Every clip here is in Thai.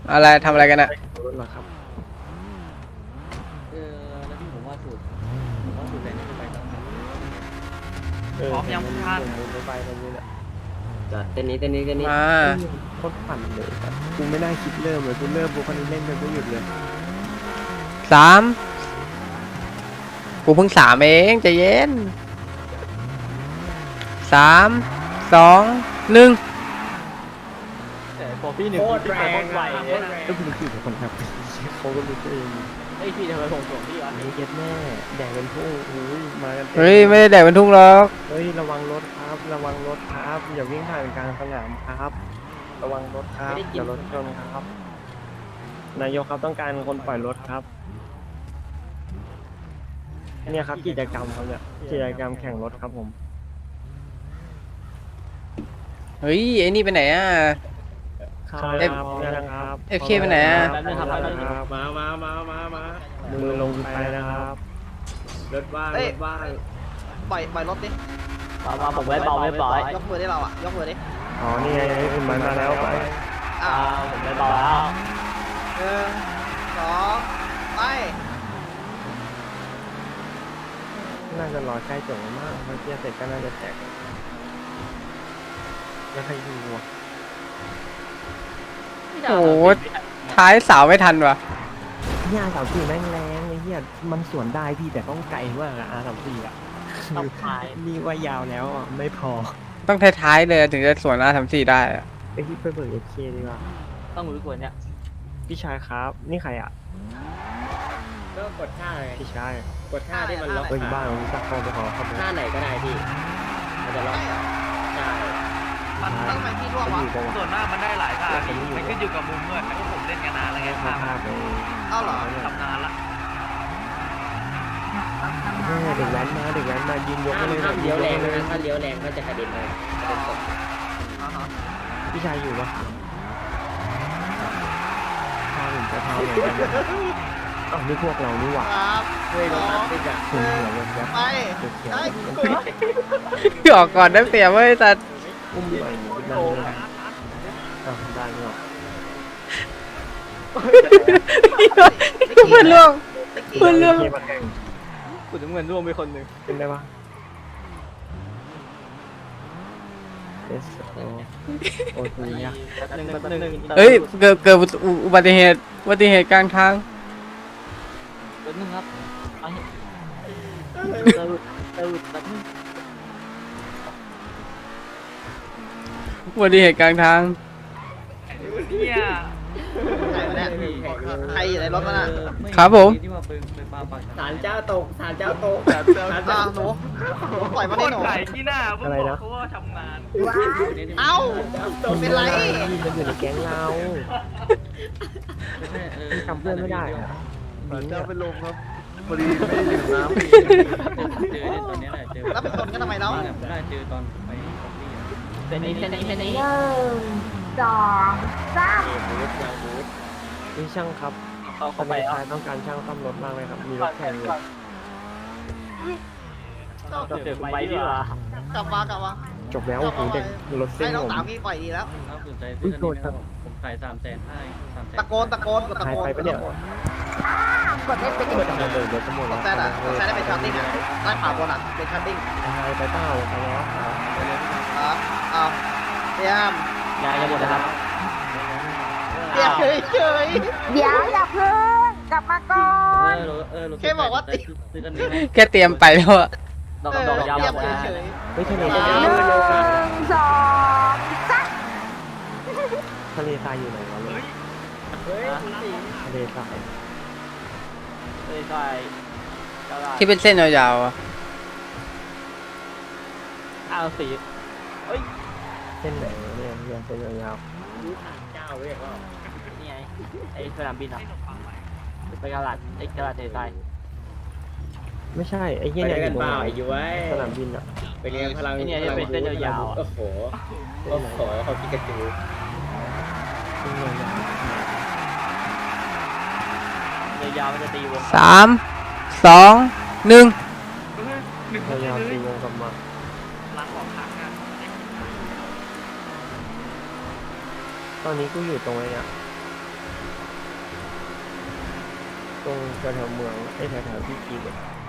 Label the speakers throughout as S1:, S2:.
S1: อะไรทำอะไรกันอะ
S2: รถเหรอครับ
S3: แล้วพี่ผมว่าสูตรไหนจะไปต่อครับ
S4: พร้อมยังทุกท่าน
S2: ผมไปตรงนี้แหละ
S3: จอดเต้นนี้
S1: มา
S2: โคตรปั่นเลยครับกูไม่น่าคิดเริ่มเลยกูเริ่มกูคนนี้เล่นไปไม่หยุดเลย
S1: 3กูเพิ่ง3เองใจเย็น3 2 1
S3: แต่พอพี่หนึ่งพี่ไปโคตรไวเลย
S2: ก็เป็นคือคนครับเขาก็รู้ตัวเอง
S3: ไอ้พี่ทำไมผมส่งพี่วะ
S2: ไอ้เย็ดแม่แดกเป็นผู้อุ้ยมากัน
S1: เฮ้ยไม่ได้แดกเป็นทุ่งหรอก
S2: เฮ้ยระวังรถครับระวังรถครับอย่าวิ่งผ่านกลางสนามครับ ระวังรถครับอย่ารถชนครับ นายกครับต้องการคนปล่อยรถครับ เนี่ยครับกิจกรรมครับเนี่ยกิจกรรมแข่งรถครับผม
S1: เฮ้ยไอ้นี่ไปไหนอะ
S2: ครับนะครับ
S1: FK ไปไหนอะ
S3: แล้วนี่ทำอะไร
S2: ครับ
S4: มา
S2: มือลงไปนะครับ
S4: รถว่าง
S5: เอ้ย
S4: รถว่าง
S5: ปล่อยรถดิ
S3: มาผมไว้เบาไว้ปล่อย
S5: ยกมือได้เราอ่ะ ยกมือดิ
S2: อ๋อนี่ไงคุณมันมาแล้วไป
S5: อ้าว
S3: ผมไว้เบาแล้ว
S5: 1 2 ไป
S2: น่าจะรอใกล้จบมากเมื่อกี้เสร็จก็น่าจะแจกแล้วใครดูวะ
S1: โอ้โหท้ายสาวไม่ทันวะ
S2: เนี่ยR34แม่งแรงไอ้เหี้ยมันสวนได้พี่แต่ต้องไกลมากอะR34อะ
S3: ต้องพาย
S2: นี่ว่ายาวแล้วอ่ะไม่พอ
S1: ต้องท้ายๆเลยถึงจะสวนR34ได้อะ
S2: ไอ้ที่ไปเบิก FK ดีกว่า
S3: ต้องรู้กว่านี้
S2: พี่ชายครับนี่ใครอ่ะ
S4: ก็กดท่าไง
S2: พี่ชาย
S4: กดท่าที่มันล็อก
S2: เอ้ยบ้านผมจะเข้าไปขอครับ
S4: ท่าไหนก็ได้พี่มันจะล็อกใช่
S5: มันทำไมพี่ร่วง
S2: ไป
S5: วะ
S2: อยู่ตรง
S4: ส่วนมากมันได้หลายท่าพี่มันขึ้นอยู่กับมุมด้วยเพราะผมเล่นกันนานแล้วไง
S2: ข้า
S4: ท่า
S2: ภาพเลย
S5: เอ้าเหรอ
S4: ทำนานละ
S2: เด็กแว้นมายืนยกให้เลย
S4: ถ้าเลี้ยวแรงนะถ้าเลี้ยวแรงก็จะกระเด็นเลยกระเด็นตก
S5: อ่าฮะ
S2: พี่ชายอยู่ปะพาผมจะพาเหมือนกันอ้าวนี่พวกเรานี่หว่า
S5: ครับ
S4: เฮ้ยรถตัดติดอ่ะ
S2: คุณเหนือเงินยับ
S5: ไป
S2: เขียว
S5: ได้
S1: ออกก่อนได้เปรียบเว้ยแต่
S2: อุ้มไปนั่งเลยอ้าวได้เนาะ
S1: เพื่อนล่วง เพื่อนร่วง
S2: มาแข่ง
S3: คุณน้ำเงินร่วมไปคนหนึ่ง
S2: เป็นได้ปะเอสโอทูยะ
S3: หนึ่ง
S1: เฮ้ยเกิดอุบัติเหตุกลางทาง
S3: แป๊บนึงครับไปเติร์ดแป๊บนึง
S1: อุบัติเหตุกลางทาง
S4: เนี่ย
S5: ใครวะเนี่ยใครอยู่ในรถมันอ่ะ
S1: ครับผม
S4: ศาลเจ้าตกศาลเจ้าตก
S5: อ้าวหนูปล่อยมันได้หนู
S4: ไก่ที่หน้าเพิ่งบอกเขาว่าทำงาน
S5: เอ้าเป็นไร
S2: มันอยู่ในแก๊งเราจำเพื่อนไม่ได้อะเจ้าเป็นลมครับพอดีไม่ได้ดื่มน้ำ
S3: เจอตอนนี้แหละเจอ
S5: แล้วไปชนกันทำไมแล้ว
S3: ได้เจอตอนไปคอฟฟี่เป็นนี้
S2: นี่ช่างครับ
S3: เข้าไป
S2: ชายต้องการช่างซ่อมรถมากเลยครับ มีรถแข่งอยู่
S3: เจอไปดีกว่าก
S5: ลับมา
S2: จบแล้วโอ้โหเด็กรถเส้
S5: ให้
S2: น
S5: น้อง
S2: ผม
S5: สาวพี่ปล่อยดีแล้ว
S3: ถ้าสนใจซื้อคันนี้ผมขาย300,000ให้300,000
S5: ตะโกนกดตะ
S2: หาย
S5: โกน
S2: ไปปะเนี่ย
S5: กดเอฟเป็น
S2: เปิดมาเลยรถจะหมด
S5: ก
S2: แล้ว
S5: ดแซดอ่ะกดแซดได้เป็นชัตติ้งอ่ะได้ผ่าบนอ่ะเป็นชัตติ้ง
S2: หายไปเปล่าไปแล้ว
S5: เอาเตรียม
S3: ยายจะหมดนะครับ
S5: เตรียมเฉย
S6: เดี๋ยวอย่าเพิ่งกลับมาก่อน
S3: ซื้อกันนี้ให้
S1: แค่เตรียมไปแล้วอะ
S3: ดอก
S5: เออ
S3: ดอกยาว
S5: เตรียม
S3: หมด
S5: เฉย
S2: เฮ้ยทะเล
S6: ห
S2: ทราย
S6: นึ่งสองสาม
S2: ทะเลทรายอยู่ไหนวะเลย
S4: เฮ้ย
S2: ทะเลทราย
S3: ใช่
S1: ที่เป็นเส้นยาวๆอะ
S3: สี
S2: เส้นไหนวะเนี่ยเรียนเส้นยาว
S4: เจ้าเรียกว่า
S3: นี่ไงไอ้สนามบินอ่ะไปกระดาษไอ้กระดาษไทย
S2: ๆไม่ใช่ไอ้
S4: ไป
S2: เหี้ย
S4: เรี
S2: เนี่ย ย
S4: น
S2: อ
S4: กัน
S2: ยู่ตรง
S4: เปล่า
S2: ไหน
S4: อยู่ไว้
S2: สนามบินอ่ะ
S4: ไปเรียนพลัง
S3: นี่เป็นเส้นยาว
S4: โอ้โหโอ้โหเขาพิกาจู
S2: เส้นยาว
S3: ยาวมันจะตีวง
S1: 3 2 1
S2: ๆยาวๆตีวงกลับมา
S4: ล้างของขังอ่ะ
S2: ตอนนี้กูอยู่ตรงไหนเนี่ยตรงแถวๆเมืองไอ้แถวๆที่กีเลย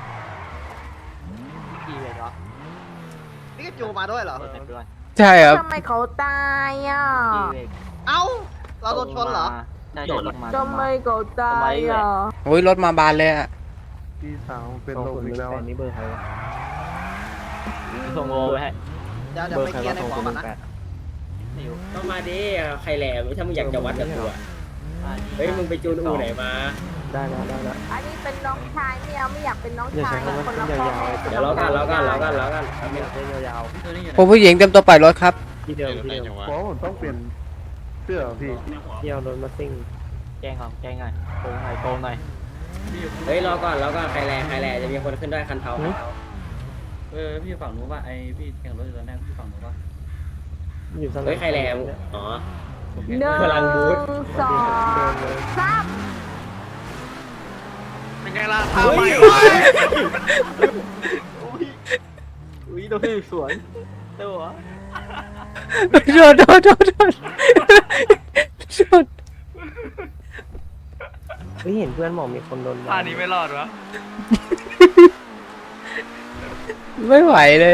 S3: กี่เลยเหรอ
S5: นี่ก็จูมาด้วยเหรอ
S3: เปิดด้วย
S1: ใช่ครับ
S6: ทำไมเขาตายอ่ะ
S3: กี่เลย
S5: เอ้า เราโดนชนเหรอ
S3: ได้โดนลงมา
S6: ทำไมเขาตายอ่ะ
S1: โอ้ยรถมาบานเลยอะ
S7: พี่สาวเป็น
S2: สอง
S7: ลม
S2: คน
S7: อีกแล้ว
S2: แต่นี่เบอร์ใครวะ
S3: ส่งโลไปให้
S5: เดี๋ยว
S2: เบอ
S5: ไป
S2: ร์ใคร
S5: เคลียร์ใน
S2: วะสอง
S5: หม
S2: ค
S5: อน ก่อนนะ
S2: แปด
S3: ไม่อยู่
S8: ก็มาดิใครแหลมถ้ามึงอยากจะวัดกับกูอ่ะเฮ้ยมึงไปจูนอูไหนมา
S2: ได้แล้วได้แล้ว
S6: อันนี้เป็นน้องชายไม่อยากเป็นน้อง
S2: อย่า
S6: ชา
S2: ใช้
S6: ย
S2: คำว่า
S6: คน
S2: เส้น
S6: ละพ่อย
S2: าวๆ
S8: เดี๋ยวเรากัน
S2: ไม่อยากเส้นยาว
S1: ผมผู้หญิงเต็มตัวปล่อยรถครับ
S2: ๆที่เดิมที่เดิม
S7: เพราะผมต้องเปลี่ยนเสื้อพี่
S2: ที่เอารถมาซิ่ง
S3: แจ้งก่อนแจ้งหน่อยโกงหน่อยโกงหน่อย
S8: เฮ้ยรอก่อนใครแหลจะมีคนขึ้นด้วยคันเทา
S4: พี่ฝั่งนู้นป่ะไอพี่แข่งรถอยู่ตอนแรกพี่ฝั่งนู้นป่ะ
S2: อยู่สนาม
S8: เฮ้ยใครแหลมอ๋อ
S6: หนึ่ง
S8: พลังบูท
S6: สองสาม
S4: เป็นไงล่ะทำไม
S3: อุ้ยโดนที่สวนเตัว
S1: โดน
S2: เฮ้ยเห็นเพื่อนบอกมีคนโดน
S4: ท่านี้ไม่รอดวะ
S1: ไม่ไหวเลย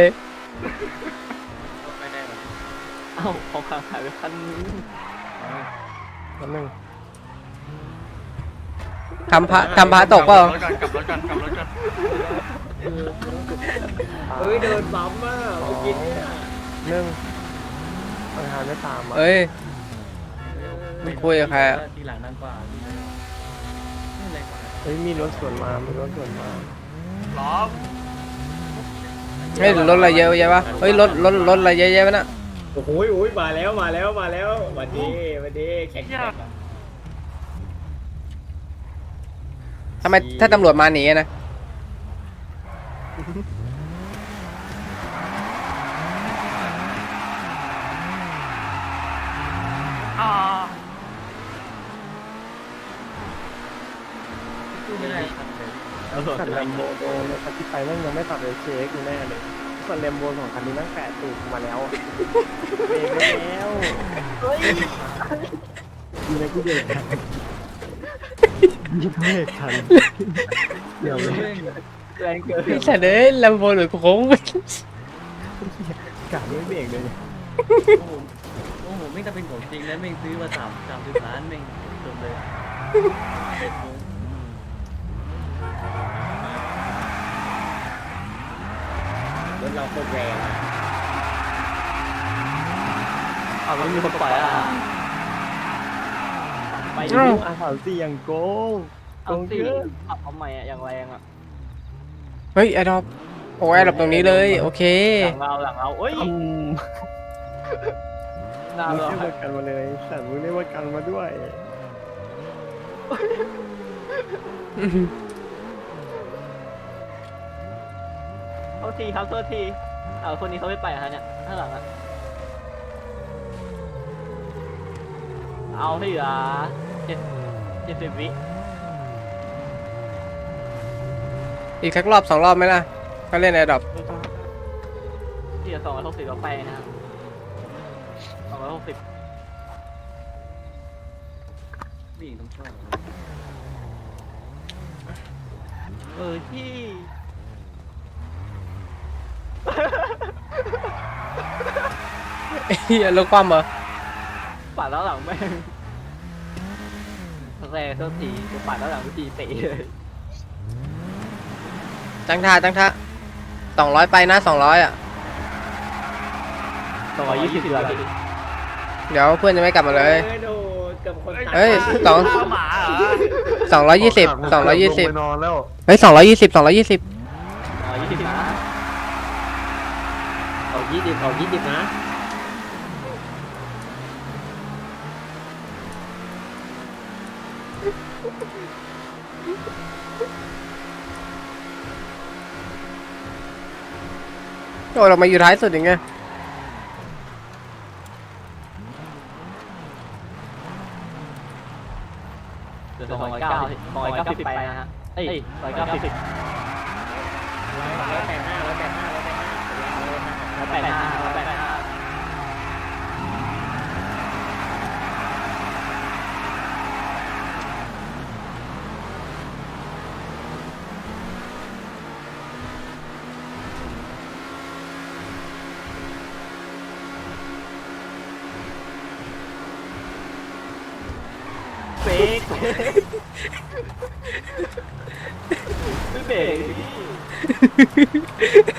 S3: เอ้าของข้างหายไปคันนึง
S2: นิดนึง
S1: ทำพระตกเปล่า
S4: กลับรถกัน
S8: เฮ้ยเดินบัมอ่ะเมื่อกี้เนี่ย
S2: หนึ่งปัญหาไม่ตามอ่ะ
S1: เอ้ย ไม่คุยกับใครอะ
S4: ทีหลังนั่งกว่า
S2: เฮ้ยมีรถสวนมามีรถสวนมา
S4: ล้อม
S1: เฮ้ยรถอะไรเยอะแยะวะเฮ้ยรถอะไรเยอะแยะวะน่ะ
S8: โอ้โหมาแล้ววันนี้แข่ง
S1: ทำไมถ้าตำรวจมาหนีอะนะ
S4: อ่า
S3: ไม่ได้
S2: ขันแลมโบโดนเลยคันที่ไปแม่งยังไม่ตัดเลยเช็คอยู่แน่เลยส่วนแลมโบของคันนี้แม่งแปะตูดมาแล้วอะเบรกไม่แล้วมีอะไรกูเบรกทันมีเบรกทันเดี๋ยวเลย
S3: แรงเกิน
S1: พี่สัตว์เอ้ยลำโพงหรือโค้ง
S2: กะไม่เบรกเลย
S4: โอ้โหไม่จะเป็นของจริงแล้วไม่ซื้อมา30 ล้านไม่จบเลย
S8: รถเราโคตรแรงอ่ะ
S3: เอาไม่มีคนปล่อยอ่ะไปดิ
S2: อาสามสี่อย่างโกง
S3: เอาสิขับเอาใหม่อ่ะอย่างแรงอ่ะ
S1: เฮ้ยแอร์ดรอปโอ้แอร์ดรอปตรงนี้เลยโอเค
S3: หลังเราเอ้ยหน้า
S2: มึง
S3: เรา
S2: เรียกว่ากันมาเลยแต่มึงเรียกว่ากันมาด้วย
S3: โทษทีครับโทษทีเอาคนนี้เขาไม่ไปฮะเนี่ยข้างหลังอ่ะเอาให้เหลือ70 วิ
S1: อีกสักรอบ2 รอบไหมล่ะก็เล่นแอร์ดรอป
S3: ที่เหลือ260เราไปนะครับ260
S4: ผู้หญิงต้องช่วย
S3: ที่
S1: เฮียรถคว่ำเหรอ
S3: ปัดแล้วหลังแม่งแรงโทษทีจะปัดแล้วหลังวิธีเตะเลย
S1: ตั้งท่า200ไปนะ200อ่ะ
S3: 220แล้วพี่
S1: เดี๋ยวเพื่อนจะไม่กลับมาเลย
S8: โดนกับคน
S1: เฮ้ย
S4: หมาเหรอ
S1: 220
S7: ลงไปนอนแล้ว
S1: เฮ้ย220 220
S3: 20นะ
S8: เอา20นะ
S1: โอ้เรามาอยู่ท้ายสุดอย่างเงี้ย
S3: เดี๋ยว290ไปนะฮะเอ้ย190 185
S2: เฟกไม่เบรก